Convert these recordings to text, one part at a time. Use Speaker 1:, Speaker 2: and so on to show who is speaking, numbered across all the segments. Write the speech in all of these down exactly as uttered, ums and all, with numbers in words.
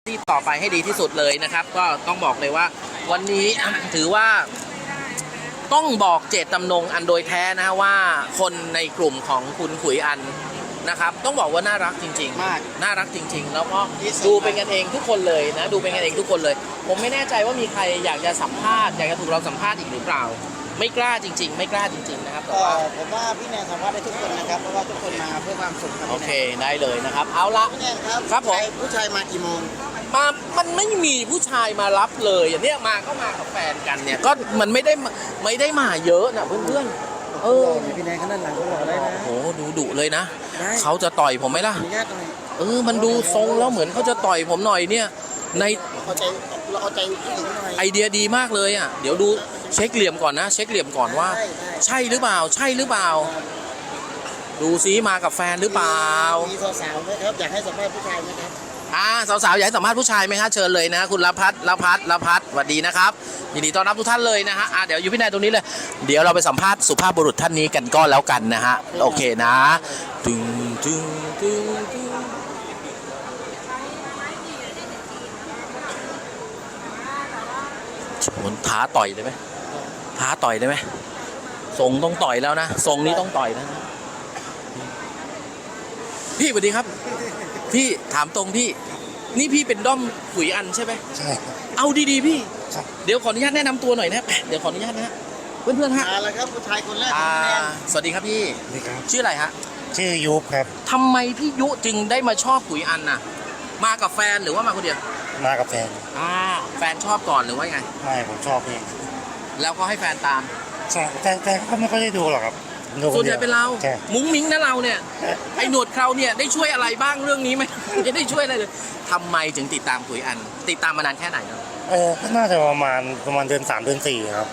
Speaker 1: ที่ต่อไปให้ดีที่สุดเลยนะครับก็ต้องบอกเลยว่าวันนี้ถือว่าต้องบอกเจตจำนงอันโดยแท้นะว่าคนในกลุ่มของคุณขุยอันนะครับต้องบอกว่าน่ารักจริงๆมากน่ารักจริงๆแล้วก็ดูเป็นกันเองทุกคนเลยนะดูเป็นกันเองทุกคนเลยผมไม่แน่ใจว่ามีใครอยากจะสัมภาษณ์อยากจะถูกเราสัมภาษณ์อีกหรือเปล่าไม่กล้าจริงๆไม่กล้าจริงๆนะครับแต่ว่า
Speaker 2: ผมว่าพี่แนนสัมภาษณ์ได้ทุกคนนะครับเพราะว่าทุกคนมาเพื่อความสุขครับ
Speaker 1: โอเคได้เลยนะครับเอาละ
Speaker 2: พี่แนนครับ
Speaker 1: ครับผม
Speaker 2: ผู้ชายมากี่โมง
Speaker 1: มามันไม่มีผู้ชายมารับเลยอย่างเนี้ยมาก็มากับแฟนกันเนี่ยก็มันไม่ได้ไม่ได้มาเยอะนะเพื่อนๆเออ
Speaker 2: พี่แนนขนาดหลังก็รอได้นะ
Speaker 1: โอ้ดูดุเลยนะเขาจะต่อยผมไหมล่ะเออมันดูทรงแล้วเหมือนเขาจะต่อยผมหน่อยเนี่ยใน
Speaker 2: เอาใจเราเอาใจผู้หญิงหน่อย
Speaker 1: ไอเดียดีมากเลยอ่ะเดี๋ยวดูเช็คเหลี่ยมก่อนนะเช็คเหลี่ยมก่อนว่าใช่หรือเปล่าใช่หรือเปล่าดูซิมากับแฟนหรือเปล่า
Speaker 2: มีสาวๆไหมครับอยากให้สัมภาษณ์ผู้ชายไหมครับ
Speaker 1: อ่าสาวๆอยากให้สัมภาษณ์ผู้ชายไหมฮะเชิญเลยนะคุณละพัฒน์ละพัฒน์ละพัฒน์สวัสดีนะครับยินดีต้อนรับทุกท่านเลยนะฮะอ่าเดี๋ยวอยู่พี่นายตรงนี้เลยเดี๋ยวเราไปสัมภาษณ์สุภาพบุรุษท่านนี้กันก็แล้วกันนะฮะโอเคนะตึงตึงตึงตึงชนท้าต่อยได้ไหมท้าต่อยได้ไหมทรงต้องต่อยแล้วนะทรงนี้ต้องต่อยแล้วนะพี่สวัสดีครับพี่ถามตรงพี่นี่พี่เป็นด้อมขุยอันใช่ไหม
Speaker 2: ใช่
Speaker 1: เอาดีๆพี่เดี๋ยวขออนุญาตแนะนำตัวหน่อยนะเดี๋ยวขออนุญาตนะฮะเพื่อนๆฮะ
Speaker 2: อ่าแล้วครับผู้ชายคนแรก
Speaker 1: สวัสดีครับพี่ชื่ออะไรฮะ
Speaker 2: ชื่อยุบครับ
Speaker 1: ทำไมพี่ยุจึงได้มาชอบขุยอันน่ะมากับแฟนหรือว่ามาคนเดียว
Speaker 2: มากับแฟน
Speaker 1: อ่าแฟนชอบก่อนหรือว่าไง
Speaker 2: ไม่ผมชอบเอง
Speaker 1: แล้วก็ให้แฟนตาม
Speaker 2: ใช่แต่แต่ก็ไม่ค่อยได้ดูหรอกครับ
Speaker 1: ส่วนใหญ่เป็นเรามุ้งมิ้งนะเราเนี่ยไอ้หนวดเคราเนี่ยได้ช่วยอะไรบ้างเรื่องนี้ไหมไม่ได้ช่วยอะไรเลยทำไมถึงติดตามขุยอันติดตามมานานแค่ไหนครับ
Speaker 2: เออก็น่าจะประมาณประมาณเดือนสามเดือนสี่ครับ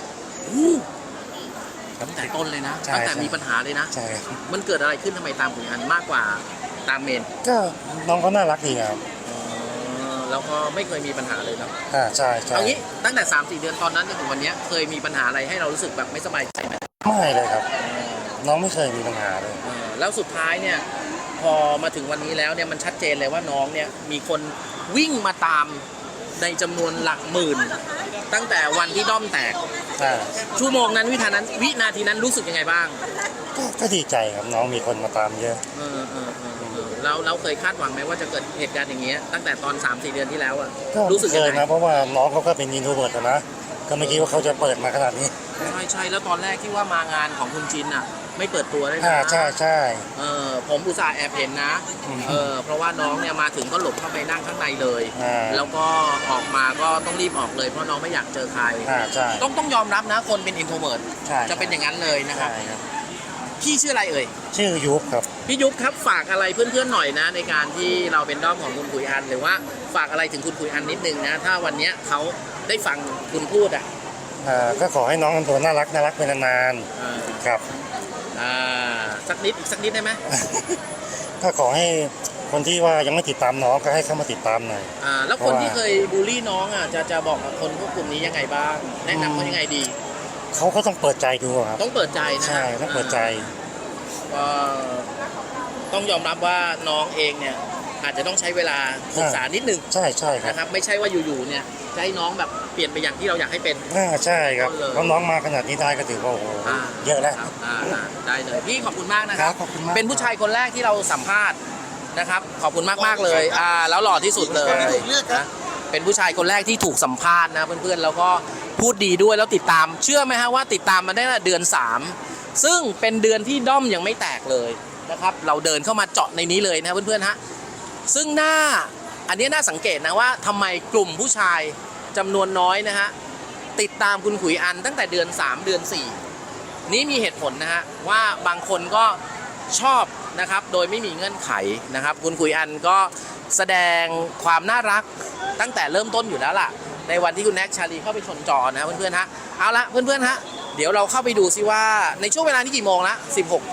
Speaker 1: ตั้งแต่ต้นเลยนะตั้งแต่มีปัญหาเลยนะ
Speaker 2: ใช่
Speaker 1: มันเกิดอะไรขึ้นทำไมตามขุยอันมากกว่าตามเมน
Speaker 2: ก็น้องเขาน่ารักดีครับ
Speaker 1: แล้วก็ไม่เคยมีปัญหาเลยครับ
Speaker 2: อ่าใช่ใช่
Speaker 1: เอางี้ตั้งแต่สามสี่เดือนตอนนั้นจนถึงวันนี้เคยมีปัญหาอะไรให้เรารู้สึกแบบไม่สบายใจไหม
Speaker 2: ไม่เลยครับน้องไม่เคยมีปัญหาเลย
Speaker 1: แล้วสุดท้ายเนี่ยพอมาถึงวันนี้แล้วเนี่ยมันชัดเจนเลยว่าน้องเนี่ยมีคนวิ่งมาตามในจำนวนหลักหมื่นตั้งแต่วันที่ด้อมแตกชั่วโมงนั้นวิธานั้นวินาทีนั้นรู้สึกยังไงบ้าง
Speaker 2: ก็ดีใจครับน้องมีคนมาตามเยอะ
Speaker 1: เออเออเออเราเราเคยคาดหวังไหมว่าจะเกิดเหตุการณ์อย่างเงี้ยตั้งแต่ตอน สามสี่ เดือนที่แล้วอะรู้สึกยังไง
Speaker 2: นะเพราะว่าน้องเขาก็เป็นอินโทรเวิร์ตนะก็ไม่คิดว่าเขาจะเปิดมาขนาดนี้
Speaker 1: ใช่ใช่แล้วตอนแรกที่ว่ามางานของคุณจินอะไม่เปิดตัวได้
Speaker 2: นะใช่ใช่
Speaker 1: เออผมอุตส่าห์แอบเห็นนะเออเพราะว่าน้องเนี่ยมาถึงก็หลบเข้าไปนั่งข้างในเลยแล้วก็ออกมาก็ต้องรีบออกเลยเพราะน้องไม่อยากเจอใครต้องต้องยอมรับนะคนเป็นอินโทรเวิร์ตจะเป็นอย่างนั้นเลยนะครับพี่ชื่ออะไรเอ่ย
Speaker 2: ชื่อยุบครับ
Speaker 1: พี่ยุบครับฝากอะไรเพื่อนๆหน่อยนะในการที่เราเป็นด้อมของคุณขุยอันหรือว่าฝากอะไรถึงคุณขุยอันนิดนึงนะถ้าวันนี้เขาได้ฟังคุณพูดอ่ะ
Speaker 2: ก็ขอให้น้องทำตัวน่ารักน่ารักเป็นนานๆครับ
Speaker 1: สักนิดอีกสักนิดได้ไหม
Speaker 2: ก็ขอให้คนที่ว่ายังไม่ติดตามน้องก็ให้เข้ามาติดตามหน่อย
Speaker 1: อ่าแล้วคนที่เคยบูลลี่น้องอ่ะจะจะบอกกับคนพวกกลุ่มนี้ยังไงบ้างแนะนำเขายังไงดี
Speaker 2: เขาก็ต้องเปิดใจดูครับ
Speaker 1: ต้องเปิดใจนะ
Speaker 2: ใช่ต้องเปิดใจ
Speaker 1: ก็ต้องยอมรับว่าน้องเองเนี่ยอาจจะต้องใช้เวลาศึกษานิดนึง
Speaker 2: ใช่ใช่
Speaker 1: นะครับไม่ใช่ว่าอยู่ๆเนี่ยจะให้น้องแบบเปลี่ยนไปอย่างที่เราอยากให้เป็น
Speaker 2: อ่าใช่ครับเพราะน้องมาขนาดนี้ได้ก็ถือว่าโอ้โหเยอะแล้ว
Speaker 1: ได้เลยพี่ขอบคุณมากนะครับเป็นผู้ชายคนแรกที่เราสัมภาษณ์นะครับขอบคุณมากมากเลยอ่าแล้วหล่อที่สุดเลยนะเป็นผู้ชายคนแรกที่ถูกสัมภาษณ์นะเพื่อนๆแล้วก็พูดดีด้วยแล้วติดตามเชื่อไหมฮะว่าติดตามมาได้เดือนสามซึ่งเป็นเดือนที่ด้อมยังไม่แตกเลยนะครับเราเดินเข้ามาเจาะในนี้เลยนะเพื่อนๆฮะซึ่งหน้าอันนี้น่าสังเกตนะว่าทำไมกลุ่มผู้ชายจำนวนน้อยนะฮะติดตามคุณขุยอันตั้งแต่เดือนสามเดือนสี่นี้มีเหตุผลนะฮะว่าบางคนก็ชอบนะครับโดยไม่มีเงื่อนไขนะครับคุณขุยอันก็แสดงความน่ารักตั้งแต่เริ่มต้นอยู่แล้วล่ะในวันที่คุณแน็กชาลีเข้าไปชนจอนะเพื่อนๆฮะเอาละเพื่อนๆฮะเดี๋ยวเราเข้าไปดูซิว่าในช่วงเวลานี้กี่โมงละสิบหก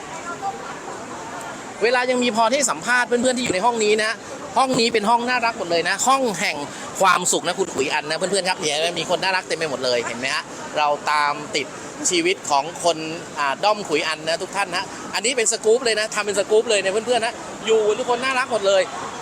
Speaker 1: เวลายังมีพอที่สัมภาษณ์เพื่อนๆที่อยู่ในห้องนี้นะห้องนี้เป็นห้องน่ารักหมดเลยนะห้องแห่งความสุขนะคุณขุยอันนะเพื่อนๆครับเนี่ยมีคนน่ารักเต็มไปหมดเลยเห็นไหมฮะเราตามติดชีวิตของคนด้อมขุยอันนะทุกท่านนะอันนี้เป็นสกู๊ปเลยนะทำเป็นสกู๊ปเลยเนี่ยเพื่อนๆนะอยู่ทุกคนน่ารักหมดเลย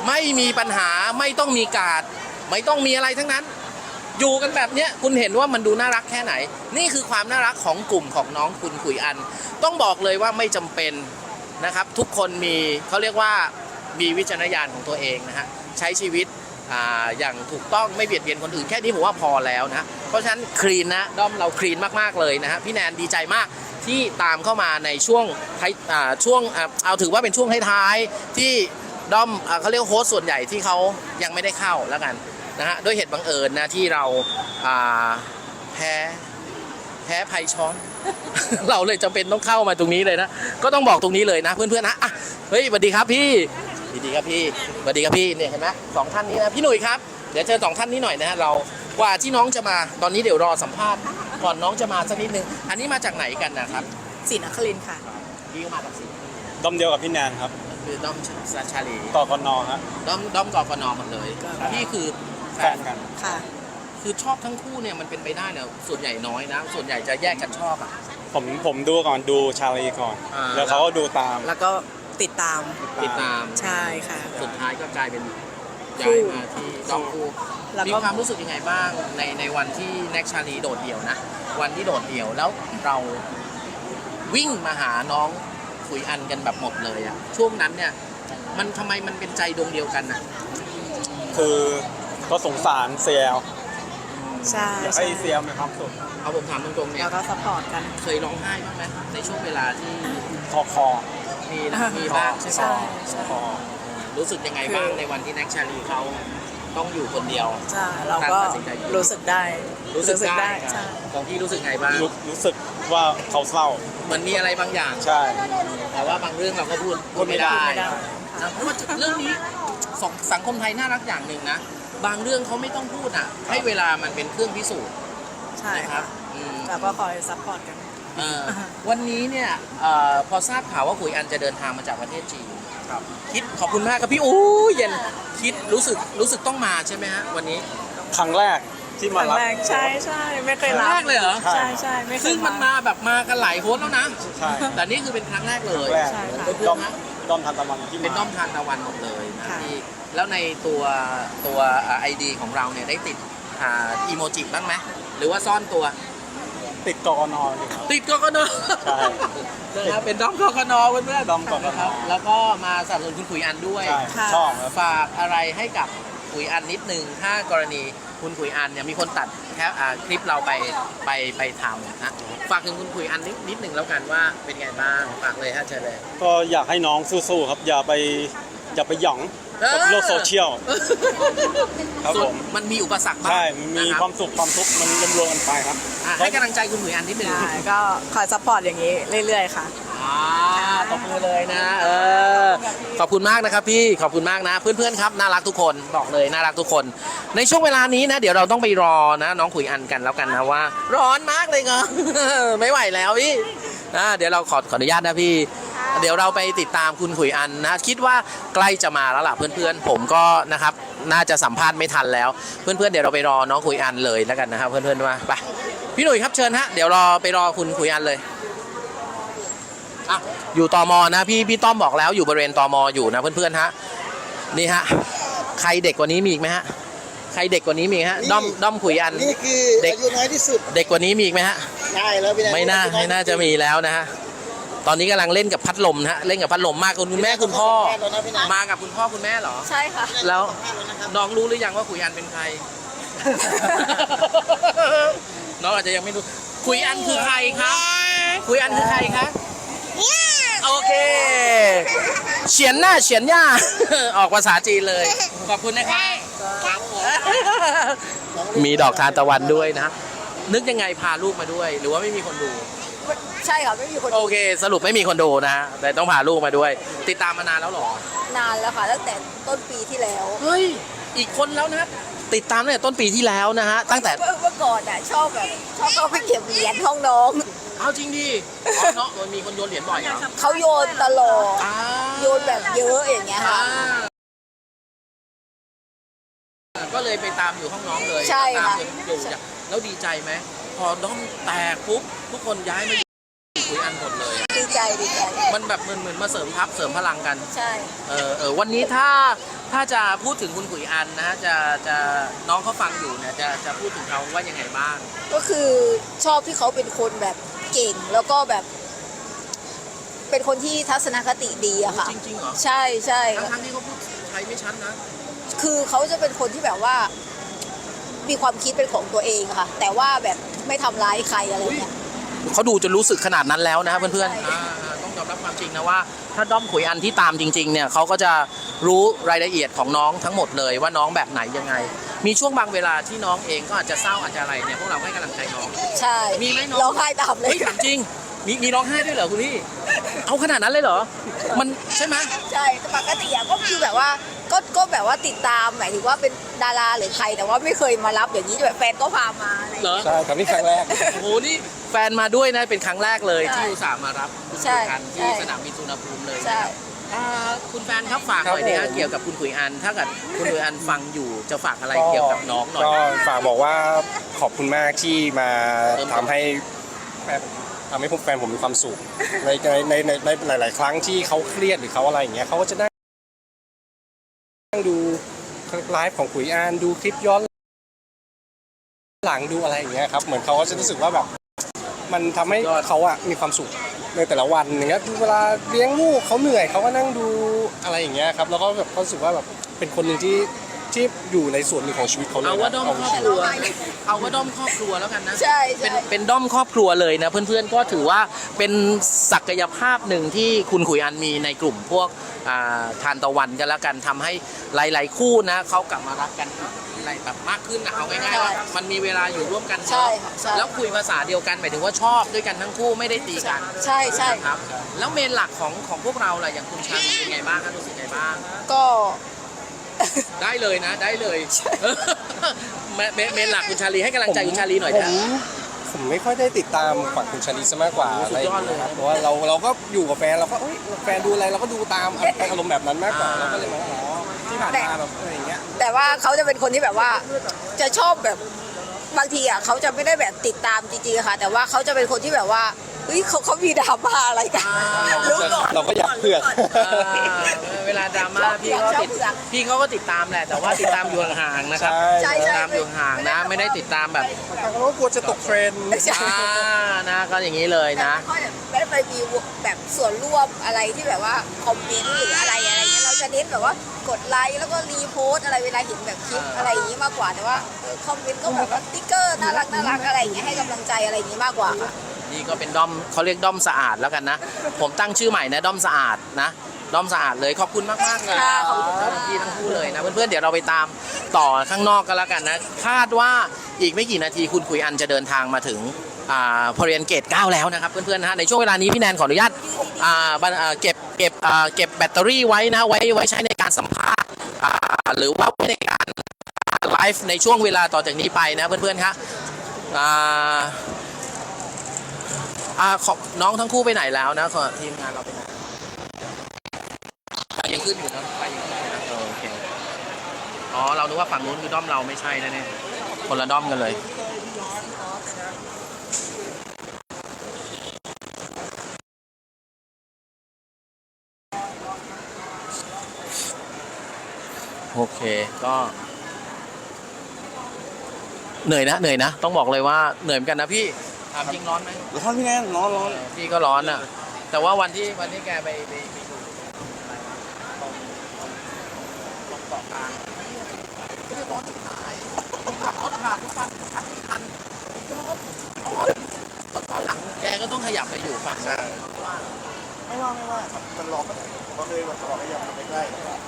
Speaker 1: ไม่มีปัญหาไม่ต้องมีการ์ดไม่ต้องมีอะไรทั้งนั้น อยู่กันแบบเนี้ยคุณเห็นว่ามันดูน่ารักแค่ไหน นี่คือความน่ารักของกลุ่มของน้องคุณขุยอัน ต้องบอกเลยว่าไม่จำเป็นนะครับ ทุกคนมีเขาเรียกว่ามีวิจารณญาณของตัวเองนะฮะใช้ชีวิตอ่าอย่างถูกต้องไม่เบียดเบียนคนอื่นแค่นี้ผมว่าพอแล้วนะเพราะฉะนั้นคลีนนะด้อมเราคลีนมากๆเลยนะฮะพี่แนนดีใจมากที่ตามเข้ามาในช่วงท้ายอ่าช่วงอ่าเอาถือว่าเป็นช่วงท้ายๆที่ด้อมอ่าเขาเรียกโฮสต์ส่วนใหญ่ที่เขายังไม่ได้เข้าแล้วกันนะฮะด้วยเหตุบังเอิญนะที่เราอ่าแพ้แพ้ภัยช้อน เราเลยจำเป็นต้องเข้ามาตรงนี้เลยนะก็ต้องบอกตรงนี้เลยนะเพื่อนๆนะอ่ะเฮ้ยสวัสดีครับพี่สวัสดีครับพี่สวัสดีครับพี่เนี่ยเห็นไหมสองท่านนี้นะพี่หนุ่ยครับเดี๋ยวเจอสองท่านนี้หน่อยนะฮะเรากว่าที่น้องจะมาตอนนี้เดี๋ยวรอสัมภาษณ์ก่อนน้องจะมาสักนิดนึงอันนี้มาจากไหนกันนะครับ
Speaker 3: ศรีนครินทร์ค่ะ
Speaker 1: พี่ก็มาจากสิงห์
Speaker 4: ด้อมเดียวกับพี่แนนครับ
Speaker 1: คือด้อมชาชาลี
Speaker 4: ต่อกนอฮะ
Speaker 1: ด้อมด้อมกกนหมดเลยพี่คือแฟ
Speaker 4: แฟ
Speaker 1: น
Speaker 4: นกัน
Speaker 3: ค่ะ
Speaker 1: คือชอบทั้งคู่เนี่ยมันเป็นไปได้เนี่ยส่วนใหญ่น้อยนะส่วนใหญ่จะแยกกันชอบอ่ะ
Speaker 4: ผมผมดูก่อนดูชาลีก่อน
Speaker 1: อ่า
Speaker 4: แล้วเขาก็ดูตาม
Speaker 3: แล้วก็ติดตาม
Speaker 1: ติดตาม
Speaker 3: ใช่ค่ะ
Speaker 1: สุดท้ายก็กลายเป็นย้ายมาที่ด้อมคู่
Speaker 3: แล้วก็
Speaker 1: มีความรู้สึกยังไงบ้างในในวันที่แน็กชาลีโดดเดี่ยวนะวันที่โดดเดี่ยวแล้วเราวิ่งมาหาน้องขุยอันกันแบบหมดเลยอะช่วงนั้นเนี่ยมันทำไมมันเป็นใจดวงเดียวกันนะ
Speaker 4: คือก็สงสารเซียล
Speaker 3: ใช่
Speaker 4: อยาก
Speaker 3: ใช่
Speaker 4: ให้เซียลมีความสุข
Speaker 1: เอาผมถามตรงๆเนี่ย
Speaker 3: แล้วก็ซัพพอร์ตกัน
Speaker 1: เคยร้องไห้บ้างไหมในช่วงเวลาที่
Speaker 4: คอคอ
Speaker 1: มีนะมีบ้างใช่ไหม
Speaker 3: ใช่ใช่
Speaker 4: คอ
Speaker 1: รู้สึกยังไงบ้างในวันที่แน็กชาลีเขาต้องอยู่คนเดียว
Speaker 3: ใช่เราก็รู้สึกได้
Speaker 1: รู้สึกได้
Speaker 3: ใช่
Speaker 1: ของพี่รู้สึกไงบ้าง
Speaker 4: รู้รู้สึกว่าเขาเศร้า
Speaker 1: เหมือนมีอะไรบางอย่าง
Speaker 4: ใช่
Speaker 1: แต่ว่าบางเรื่องเราก็พูดพูดไม่ได้
Speaker 3: ไม่ได้
Speaker 1: นะเพราะว่าเรื่องนี้สองสังคมไทยน่ารักอย่างหนึ่งนะ บางเรื่องเขาไม่ต้องพูดอ่ะ ให้เวลามันเป็นเครื่องพิสูจน์
Speaker 3: ใช่
Speaker 1: นะค
Speaker 3: ค่ะ
Speaker 1: รับอืม
Speaker 3: แล้วก็คอยซัพพอร์ตกัน
Speaker 1: เอ่อวันนี้เนี่ยเอ่อพอทราบข่าวว่าขุยอันจะเดินทางมาจากประเทศจีน
Speaker 4: ครับ
Speaker 1: คิดขอบคุณมากครับพี่อู้เย็นคิดรู้สึกรู้สึกต้องมาใช่ไหมฮะวันนี้
Speaker 4: ครั้งแรกที่
Speaker 3: ค
Speaker 4: มา
Speaker 3: รั้ง
Speaker 4: รับ
Speaker 3: แรกใช่ใช่ไม่เคย
Speaker 1: ครั้
Speaker 3: รั
Speaker 1: ง
Speaker 3: บ
Speaker 1: แรกเลยเหรอ
Speaker 3: ใช่ใช่ไม่เค
Speaker 1: ซึ่
Speaker 3: ย
Speaker 1: งมันมาแบบมากันหลายโฮสต์แล้วนะ
Speaker 4: ใช่
Speaker 1: แต่นี่คือเป็นครั้งแรกเล
Speaker 4: ครั้
Speaker 1: ย
Speaker 4: งแรก
Speaker 3: ใช่ค่ะ
Speaker 1: เพื่
Speaker 4: ด้
Speaker 1: อ
Speaker 4: อน ม
Speaker 1: ๆนะ
Speaker 4: ด้อมทันตะวันที่
Speaker 1: เป็นด้อม
Speaker 4: มา
Speaker 1: ทานตะวันหมดเลยนะ
Speaker 3: ค่ะ
Speaker 1: ที่แล้วในตัวตัวไอดีของเราเนี่ยได้ติดอ่าอีโมจิบ้างไหมหรือว่าซ่อนตัว
Speaker 4: ติดกกนอยู่ครับ
Speaker 1: ติดกกน
Speaker 4: ใช่
Speaker 1: นะครับเป็นด้อมกกนเพื่อนๆ
Speaker 4: ด้อมกกน
Speaker 1: ครับแล้วก็มาสนับสนุนคุณขุยอันด้วย
Speaker 4: ใช่
Speaker 3: ค่ะ
Speaker 4: ชอบครับ
Speaker 1: ฝากอะไรให้กับขุยอันนิดนึงถ้ากรณีคุณขุยอันเนี่ยมีคนตัดแค่อ่าคลิปเราไปไปไปทำนะฝากถึงคุณขุยอันนิดนิดนึงแล้วกันว่าเป็นไงบ้างฝากเลยฮะเชิญเลย
Speaker 4: ก็อยากให้น้องสู้ๆครับ อย่าไปอย่าไปหยองกับโลกโซเชียล ครับ
Speaker 1: ส่วน
Speaker 4: ผม
Speaker 1: มันมีอุปสรรคบ้าง
Speaker 4: ใช่มันมี
Speaker 1: นะรับ
Speaker 4: ความสุขความทุกข์มันรวมๆกันไปครับ
Speaker 1: อ่ะให้กำลังใจคุณขุยอันนิดนึง
Speaker 3: ใช่ก็คอยซัพพอร์ตอย่างนี้เรื่อยๆค่ะ
Speaker 1: อ่าตบมือเลยนะเออขอบคุณมากนะครับพี่ขอบคุณมากนะ เพื่อนๆครับน่ารักทุกคนบอกเลยน่ารักทุกคน ในช่วงเวลานี้นะเดี๋ยวเราต้องไปรอนะน้องขุยอันกันแล้วกันนะว่า ร้อนมากเลยเง อะ ไม่ไหวแล้วพี่นะเดี๋ยวเราขอขออนุญาตนะพี่ เดี๋ยวเราไปติดตามคุณขุยอันนะคิดว่าใกล้จะมาแล้วล่ะเพื่อนๆผมก็นะครับน่าจะสัมภาษณ์ไม่ทันแล้ว เพื่อนๆเดี๋ยวเราไปรอน้องขุยอันเลยแล้วกันนะครับเพื่อนๆมาไปพี่หนุ่ยครับเชิญฮะเดี๋ยวรอไปรอคุณขุยอันเลยอ่ะอยู่ตมนะพี่พี่ต้อมบอกแล้วอยู่บริเวณตมอยู่นะเพื่อนๆฮะนี่ฮะใครเด็กกว่านี้มีอีกไหมฮะใครเด็กกว่านี้มีฮะด้อมด้อมขุยอัน
Speaker 5: นี่คือ
Speaker 1: เด็ก
Speaker 5: อายุน้อยที่สุด
Speaker 1: เด็กกว่านี้มีอีกไหมฮะ
Speaker 5: ได้แล้วพี่แด
Speaker 1: ไม่น่าไม่น่าจะมีแล้วนะฮะตอนนี้กำลังเล่นกับพัดลมนะฮะเล่นกับพัดลมมากคุณแม่คุณพ่อ มากับคุณพ่อคุณแม่เหรอ
Speaker 3: ใช่ค่ะ
Speaker 1: แล้วน้องรู้หรือยังว่าขุยอันเป็นใคร น้องอาจจะยังไม่รู้ขุยอันคือใครครับขุยอันคือใครครับโอเคเฉียนหน้าเฉียนย่า ออกภาษาจีนเลย ขอบคุณนะครับมีดอกทานตะวันด้วยนะ นึกยังไงพาลูกมาด้วย หรือว่าไม่มีคนดู
Speaker 3: ใช่ค่ะไม่มีคน
Speaker 1: โอเค สรุปไม่มีคนดูนะ แต่ต้องพาลูกมาด้วย ติดตามมานานแล้วเหรอ
Speaker 3: นานแล้วค่ะตั้งแต่ต้นปีที่แล้ว
Speaker 1: เฮ้ย อีกคนแล้วนะ ติดตามตั้งแต่ต้นปีที่แล้วนะฮะ ตั้งแต่
Speaker 3: เมื่อเมื่อก่อนอ่ะชอบแบบชอบเข้าไปเก็บเหรียญห้องน้อง
Speaker 1: เอาจริงดิอ๋อเนาะมันมีคนโยนเหรียญบ่อยเหรอ
Speaker 3: เขาโยนตลอด
Speaker 1: อ่า
Speaker 3: โยนแบบเยอะอย่างเงี้ย
Speaker 1: อ่า
Speaker 3: ค่ะ
Speaker 1: ก็เลยไปตามอยู่ห้องน้องเลย
Speaker 3: ใช่
Speaker 1: ตาม
Speaker 3: ค่ะ
Speaker 1: จนอยู่จ้ะแล้วดีใจไหม พอด้อมแตกปุ๊บ ทุกคนย้ายมาอยู่คุยอันหมดเลยอะ
Speaker 3: ดีใจใจดีใจ
Speaker 1: มันแบบเหมือนเหมือนมาเสริมทัพเสริมพลังกัน
Speaker 3: ใช่
Speaker 1: เออเออวันนี้ถ้าถ้าจะพูดถึงคุณขุยอันนะฮะจะจะน้องเขาฟังอยู่เนี่ยจะจะพูดถึงเขาว่ายังไงบ้าง
Speaker 3: ก็คือชอบที่เขาเป็นคนแบบเก่งแล้วก็แบบ เป็นคนที่ทัศนคติดีอะค่ะ
Speaker 1: จริงๆเหรอ
Speaker 3: ใช่ใช่
Speaker 1: ทั้งทั้งที่เขาพูดไทยไม่ชัดนะ
Speaker 3: คือเขาจะเป็นคนที่แบบว่า มีความคิดเป็นของตัวเองอะค่ะ แต่ว่าแบบไม่ทำร้ายใครอะไรเงี้ย
Speaker 1: เขาดูจนรู้สึกขนาดนั้นแล้วนะครับเพื่อน
Speaker 3: ใช่
Speaker 1: ๆอ่าต้องยอมรับความจริงนะว่าถ้าด้อมขุยอันที่ตามจริงๆเนี่ยเขาก็จะรู้รายละเอียดของน้องทั้งหมดเลยว่าน้องแบบไหนยังไง มีช่วงบางเวลาที่น้องเองก็อาจจะเศร้าอาจจะอะไรเนี่ยพวกเราให้กำลังใจน้อง
Speaker 3: ใช่
Speaker 1: มีไหมน้อง
Speaker 3: ร้องไห้ตามเลย
Speaker 1: เฮ้ยถามจริงมีมีร้องไห้ด้วยเหรอคุณพี่เอาขนาดนั้นเลยเหรอมันใช่ไหม
Speaker 3: ใช่แต่ปกติอะก็คือแบบว่าก็ก็แบบว่าติดตามหมายถึงว่าเป็นดาราหรือใครแต่ว่าไม่เคยมารับอย่างนี้แบบแฟนก็พามาอะไรอย่าง
Speaker 1: เหรอ
Speaker 3: เงี้ย
Speaker 4: ใช่ครับนี่ครั้งแรก
Speaker 1: โอ้โหนี่แฟนมาด้วยนะเป็นครั้งแรกเลย
Speaker 3: ใช่
Speaker 1: ที่อุตส่าห์มารับคุณ
Speaker 3: ใช่
Speaker 1: ขุยอันที่
Speaker 3: ใช่
Speaker 1: สนามบินสุวรรณภูมิเลย
Speaker 3: ใช่
Speaker 1: นะครับอ่าคุณแฟนครับฝากหน่อย
Speaker 4: ครับ
Speaker 1: นะฮะ
Speaker 4: ผม
Speaker 1: เกี่ยวกับคุณขุยอัน ถ้าเกิดคุณขุยอันฟังอยู่จะฝากอะไรเกี่ยวกับน้องหน่อย
Speaker 5: ก็ฝากบอกว่าขอบคุณมากที่มาทำให้แฟนทำให้ผมแฟนผมมีความสุขในในในในในหลาย ๆ ครั้งที่เขาเครียดหรือเขาอะไรอย่างเงี้ยเขาก็จะนั่งนั่งดูไลฟ์ของขุยอานดูคลิปย้อนหลังดูอะไรอย่างเงี้ยครับเหมือนเขาก็จะรู้สึกว่าแบบมันทำให้เขาอะมีความสุขในแต่ละวันอย่างเงี้ยเวลาเลี้ยงลูกเขาเหนื่อยเขาก็นั่งดูอะไรอย่างเงี้ยครับแล้วก็แบบเขารู้สึกว่าแบบเป็นคนหนึ่งที่ที่อยู่ในส่วนหนึ่งของชีวิตเขาเลย
Speaker 1: เอาว่าด้อม
Speaker 5: เอา
Speaker 1: ครอบ
Speaker 5: ชี
Speaker 1: ค
Speaker 5: วิต
Speaker 1: รัวเอาว่าด้อมครอบครัวแล้วกันนะ
Speaker 3: ใช่
Speaker 1: เป็น
Speaker 3: ใช่
Speaker 1: เป็นด้อมครอบครัวเลยนะเพื่อนๆก็ถือว่าเป็นศักยภาพหนึ่งที่คุณขุยอันมีในกลุ่มพวกอ่าทานตะวันกันแล้วกันทำให้หลายๆคู่นะเขากลับมารักกันอะไรแบบมากขึ้นนะเอาง่ายๆว่ามันมีเวลาอยู่ร่วมกันเย
Speaker 3: ใช่
Speaker 1: อะ
Speaker 3: ค่ะใช่
Speaker 1: แล้วคุยภาษาเดียวกันหมายถึงว่าชอบด้วยกันทั้งคู่ไม่ได้ตีกัน
Speaker 3: ใช่ใช่
Speaker 1: ครับแล้วเมนหลักของของพวกเราล่ะอย่างคุณชาลีเป็นไงบ้างครับรู้สึกไงบ้าง
Speaker 3: ก็
Speaker 1: ได้เลยนะได้เลยเมเมเมนหลักคุณชาลีให้กำลังใจคุณชาลีหน่อย
Speaker 5: ผ
Speaker 1: นะ
Speaker 5: มผมไม่ค่อยได้ติดตามฝั่งคุณชาลีซะมากกว่า
Speaker 1: โอ้
Speaker 5: อะไร
Speaker 1: สุดยอดเลย
Speaker 5: ครับเพราะว่าเราเราก็อยู่กับแฟนเราก็เอ้ยแฟนดูอะไรเราก็ดูตามอารมณ์แบบนั้นมากกว่าเราก็เลยมาอ๋อที่ผ่านมาแบบอะไรอย่างเงี้ย
Speaker 3: แต่ว่าเขาจะเป็นคนที่แบบว่า จะชอบแบบบางทีอ่ะเขาจะไม่ได้แบบติดตามจริงๆอะค่ะ แต่ว่าเขาจะเป็นคนที่แบบว่าเฮ้ยเขาเขามีดราม่าอะไรกันรู้ก่อน
Speaker 5: เราก็อยากเผือก
Speaker 1: อ่าเวลาดราม่าพี่ก็ติดพี่เขาก็ติดตามแหละแต่ว่าติดตามอยู่ห่างๆนะครับ
Speaker 3: ใช่
Speaker 1: ติด
Speaker 3: ใช่
Speaker 1: ตามอยู่ห่างๆนะ ไม่ได้ติดตามแบบ
Speaker 5: เราก็กลัวจะตกเทรนด์
Speaker 3: ใช่
Speaker 1: อ่านะก็อย่างนี้เลยนะ
Speaker 3: แต่ไม่ได้ไปมีแบบส่วนร่วมอะไรที่แบบว่าคอมเมนต์หรืออะไรอะไรเงี้ยเราจะเน้นแบบว่ากดไลค์แล้วก็รีโพสต์อะไรเวลาเห็นแบบคลิปอะไรอย่างนี้มากกว่าแต่ว่าเออคอมเมนต์ก็แบบว่าสติ๊กเกอร์น่ารักน่ารักอะไรอย่างเงี้ยให้กำลังใจอะไรอย่างนี้มากกว่าค่ะ
Speaker 1: นี่ก็เป็นด้อมเขาเรียกด้อมสะอาดแล้วกันนะ ผมตั้งชื่อใหม่นะด้อมสะอาดนะด้อมสะอาดเลยขอบคุณมากมากๆเลย
Speaker 3: ค่ะขอบคุณ
Speaker 1: ทั้งพี่ทั้งคู่เลยนะเพื่อนๆเดี๋ยวเราไปตามต่อข้างนอกกันแล้วกันนะคาดว่าอีกไม่กี่นาทีคุณขุยอันจะเดินทางมาถึงอ่าพอเรียนเกตเก้าแล้วนะครับเพื่อนๆนะฮะในช่วงเวลานี้พี่แนนขออนุญาตอ่าบันอ่าเก็บเก็บอ่าเก็บแบตเตอรี่ไว้นะไว้ไว้ใช้ในการสัมภาษณ์อ่าหรือว่าไว้ในการไลฟ์ในช่วงเวลาต่อจากนี้ไปนะเพื่อนๆครับอ่า อ่าขอบน้องทั้งคู่ไปไหนแล้วนะขอทีมงานเราไปไหนไปยังขึ้นอยู่นะไปยังขึ้นอยู่นะเออโอเคอ๋อเรานึกว่าฝั่งนู้นคือด้อมเราไม่ใช่นะเนี่ยคนละด้อมกันเลยโอเคก็เหนื่อยนะเหนื่อยนะต้องบอกเลยว่าเหนื่อยเหมือนกันนะพี่ถามจริงร้อนไหม
Speaker 5: ร้อนพี่แนนร้อนร้อน
Speaker 1: พี่ก็ร้อนอ่ะ แต่ว่าวันที่วันที่แกไปไปไปดูอะไรวะตรงตรงเกาะกลางไม่ได้ร้อนที่ไหนผมขับรถผ่านทุกวันขับไม่ทันร้อนตอนหลังแกก็ต้องขยับไปอยู่ฝั่งนั้น
Speaker 5: ไม่ว่าไม่ว่าครับมันร้อนก็เลยแบบร้อนก็ยังไม่ใกล้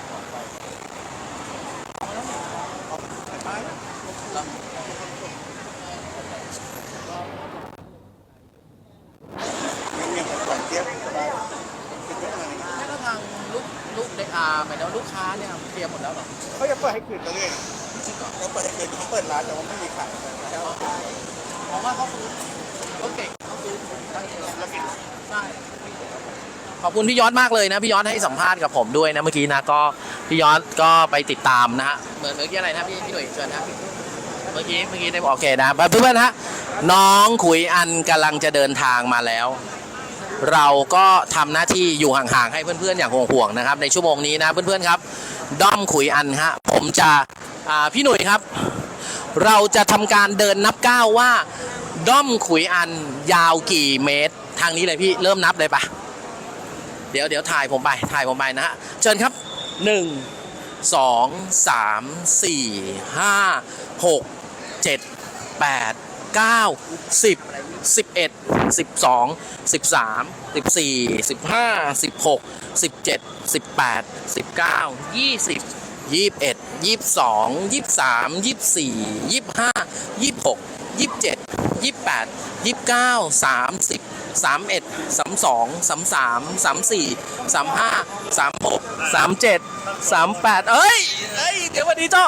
Speaker 1: แม้กระทั่งลูกลูกเด็กอาหมายถึงว่าลูกค้าเนี่ยเคลียร์หมดแล้วเหรอ
Speaker 5: เขาจะเปิดให้คืนเรื่อย
Speaker 1: จริงเหรอ
Speaker 5: เขาเปิดให้คืนเขาเปิดร้านแต่ว่าไม่มีขาย
Speaker 1: ผมว่าเขาฟื้นเขาเก่งเขาฟื้นได้เองใช่ขอบคุณพี่ยอดมากเลยนะพี่ยอดให้สัมภาษณ์กับผมด้วยนะเมื่อกี้นะก็พี่ยอดก็ไปติดตามนะฮะเหมือนเมื่อกี้อะไรนะพี่พี่หนุ่ยเชิญนะเมื่อกี้เมื่อกี้ได้บอกโอเคนะเพื่อนๆนะฮะน้องขุยอันกำลังจะเดินทางมาแล้วเราก็ทำหน้าที่อยู่ห่างๆให้เพื่อนๆอย่างห่วงๆนะครับในชั่วโมงนี้นะเพื่อนๆครับด้อมขุยอันฮะผมจะอ่าพี่หนุ่ยครับ เราจะทำการเดินนับก้าวว่าด้อมขุยอันยาวกี่เมตรทางนี้เลยพี่เริ่มนับเลยปะเดี๋ยวเดี๋ยวถ่ายผมไปถ่ายผมไปนะฮะเชิญครับหนึ่งสองสามสี่ห้าหกเจ็ดแปดเก้าสิบสิบเอ็ดสิบสองสิบสามสิบสี่สิบห้าสิบหกสิบเจ็ดสิบแปดสิบเก้ายี่สิบยี่สิบเอ็ดยี่สิบสองยี่สิบสามยี่สิบสี่ยี่สิบห้ายี่สิบหกยี่สิบเจ็ดยี่สิบแปดยี่สิบเก้าสามสิบสามเอ็ดสามสองสามสามสามสี่สามห้าสามหกสามเจ็ดสามแปดเอ้ยเอ้ยเดี๋ยววันนี้เจ้า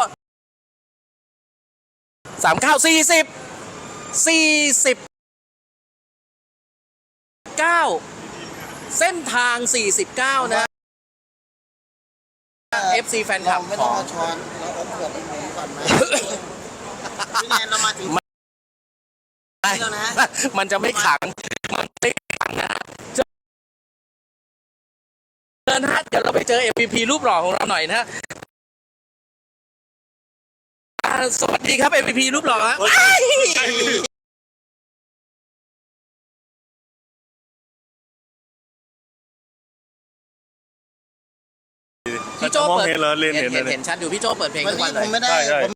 Speaker 1: สามเก้าสี่สิบสี่สิบเก้าเส้นทางสี่สิบเก้านะ เอฟ ซี แฟนคลับ
Speaker 6: ไม่
Speaker 1: ข
Speaker 6: ต้อง
Speaker 1: อง
Speaker 6: เอาช้อนแล้วเอาเผือกไปหมุนก่อนไหมพี่แนนเรามาถึง แล้วนะ
Speaker 1: มันจะไม่ขังมันไม่ขังนะเชิญฮะเดี๋ยวเราไปเจอ เอ็ม วี พี รูปหล่อของเราหน่อยนะฮะอ่าสวัสดีครับ เอ็ม วี พี รูปหล่อครับพี่โจ้เปิด
Speaker 7: เห็นเหรอเรียน
Speaker 1: เห็
Speaker 7: เห็
Speaker 1: น
Speaker 7: น
Speaker 1: เห็น
Speaker 7: เลย
Speaker 1: เห็นชัดอยู่พี่โจ้เปิดเพลง
Speaker 6: วัน
Speaker 1: ทุกวั
Speaker 6: นี้
Speaker 1: นเล
Speaker 6: ผ
Speaker 1: ย
Speaker 6: มไม่ได้
Speaker 7: ใช่ใช่
Speaker 6: ผม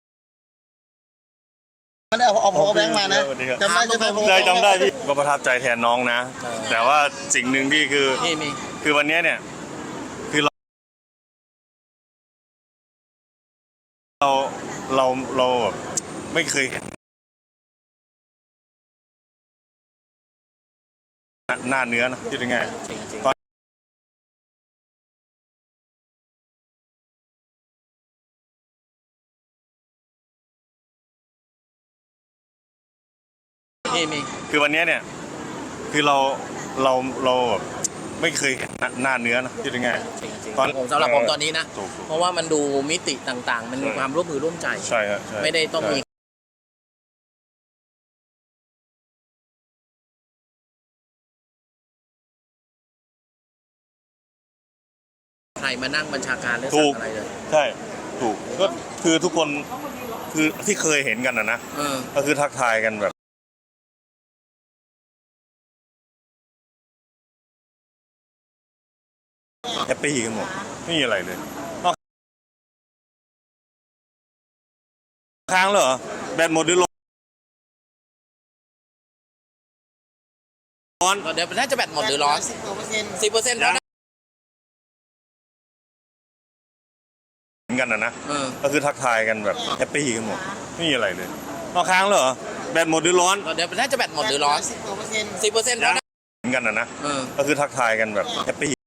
Speaker 6: ไม่ได้เอาเอา power bank มานะ
Speaker 7: สวัสดีครับ
Speaker 6: จำได้ใช่ไหม
Speaker 7: ได้จำได้พี่ก็ประทับใจแทนน้องนะ แต่ว่าสิ่งหนึ่งที่คือ
Speaker 1: นี่มี
Speaker 7: คือวันนี้เนี่ยคือเราเราเราเราแบบไม่เคยเห็นหน้าเนื้อนะที่เป็นไง
Speaker 1: จริงจริง
Speaker 7: ตอน
Speaker 1: นี่มี
Speaker 7: คือวันนี้เนี่ยคือเราเราเราแบบไม่เคยเห็นหน้าเนื้อนะที่เป็นไง
Speaker 1: จริงจริง
Speaker 7: ตอน
Speaker 1: ผมสำหรับผมตอนนี้นะ
Speaker 7: ถูกถูก
Speaker 1: เพราะว่ามันดูมิติต่างๆ มันมี
Speaker 7: ใช่
Speaker 1: ความร่วมมือร่วมใจ
Speaker 7: ใช่ครับใช่
Speaker 1: ไม่ได้ต้องมี ใครมานั่งบัญชาการเรื่อง
Speaker 7: ถูก
Speaker 1: อะไรเลย
Speaker 7: ใช่ถูกก็คือทุกคนคือที่เคยเห็นกันนะนะ
Speaker 1: เออ
Speaker 7: ก็คือทักทายกันแบบแฮปปี้กันหมดไม่มีอะไรเลยนอกค้างเหรอแบตหมดหรือร้อน
Speaker 1: เดี๋ยวน่าจะแบตหมดหรือร้อน
Speaker 6: สิบกว่าเปอร์เซ็นต์
Speaker 1: สิบเปอร์เซ็นต์
Speaker 7: ยั
Speaker 1: แล้ว
Speaker 7: ง
Speaker 1: นะ
Speaker 7: เห็นกันนะนะ
Speaker 1: เออ
Speaker 7: ก็คือทักทายกันแบบแฮปปี้กันหมดไม่มีอะไรเลยนอกค้างเหรอแบตหมดหรือร้อน
Speaker 1: เดี๋ยวน่าจะแบตหมดหรือร้อน
Speaker 6: สิบกว่าเปอร์เซ็นต์
Speaker 1: สิบเปอร์เซ็นต์
Speaker 7: ยั
Speaker 1: แล้ว
Speaker 7: ง
Speaker 1: นะ
Speaker 7: เห็นกันนะนะ
Speaker 1: เออ
Speaker 7: ก็คือทักทายกันแบบแฮปปี้